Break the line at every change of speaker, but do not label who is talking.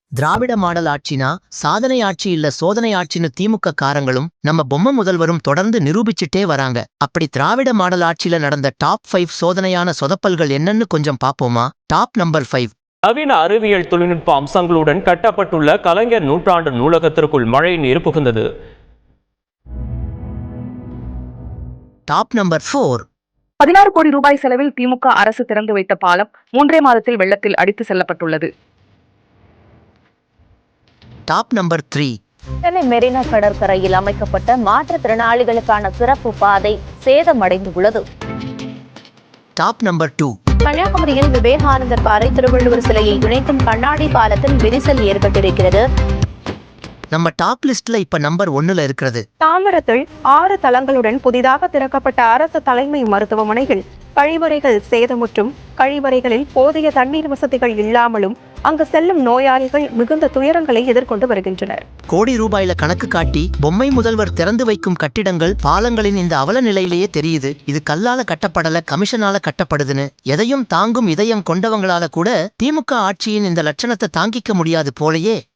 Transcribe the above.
திராவிட model ஆட்சினா சாதனை ஆட்சி இல்ல சோதனை ஆட்சின்னு திமுக காரங்களும் நம்ம பொம்மை முதல்வரும் தொடர்ந்து நிரூபிச்சுட்டே வராங்க. அப்படி திராவிட மாடல் ஆட்சியில நடந்த டாப் 5 சோதனையான சொதப்பல்கள் என்னன்னு கொஞ்சம் பாப்போமா? Top number 5.
நவீன அறிவியல் தொழில்நுட்ப அம்சங்களுடன் கட்டப்பட்டுள்ள கலைஞர் நூற்றாண்டு நூலகத்திற்குள் மழை நீர் புகுந்தது.
Top number 4.
16 கோடி ரூபாய் செலவில் திமுக அரசு திறந்து வைத்த பாலம் 3 மாதத்தில் வெள்ளத்தில் அடித்து செல்லப்பட்டுள்ளது.
Top number 3.
சென்னை மெரினா கடற்கரையில் அமைக்கப்பட்ட மாற்றுத்திறனாளிகளுக்கான சிறப்பு பாதை சேதமடைந்துள்ளது.
Top number 2.
கன்னியாகுமரியில் விவேகானந்தர் பாறை திருவள்ளுவர் சிலையை இணைக்கும் கண்ணாடி பாலத்தில் விரிசல் ஏற்பட்டிருக்கிறது.
நம்ம டாப் லிஸ்ட்ல இப்ப நம்பர் 1ல இருக்கிறது.
தாம்பரத்தில் 6 தளங்களுடன் புதிதாக திறக்கப்பட்ட அரசு தலைமை மருத்துவமனைகள் கழிவறைகள் சேதமுற்றும் கழிவறைகளில் போதிய தண்ணீர் வசதிகள் இல்லாமலும் அங்கு செல்லும் நோயாளிகள் மிகுந்த துயரங்களை எதிர்கொண்டு வருகின்றனர்.
கோடி ரூபாயில கணக்கு காட்டி பொம்மை முதல்வர் திறந்து வைக்கும் கட்டிடங்கள் பாலங்களின் இந்த அவல நிலையிலேயே தெரியுது. இது கல்லால கட்டப்படல, கமிஷனால கட்டப்படுதுன்னு. எதையும் தாங்கும் இதயம் கொண்டவங்களால கூட திமுக ஆட்சியின் இந்த லட்சணத்தை தாங்கிக்க முடியாது போலயே.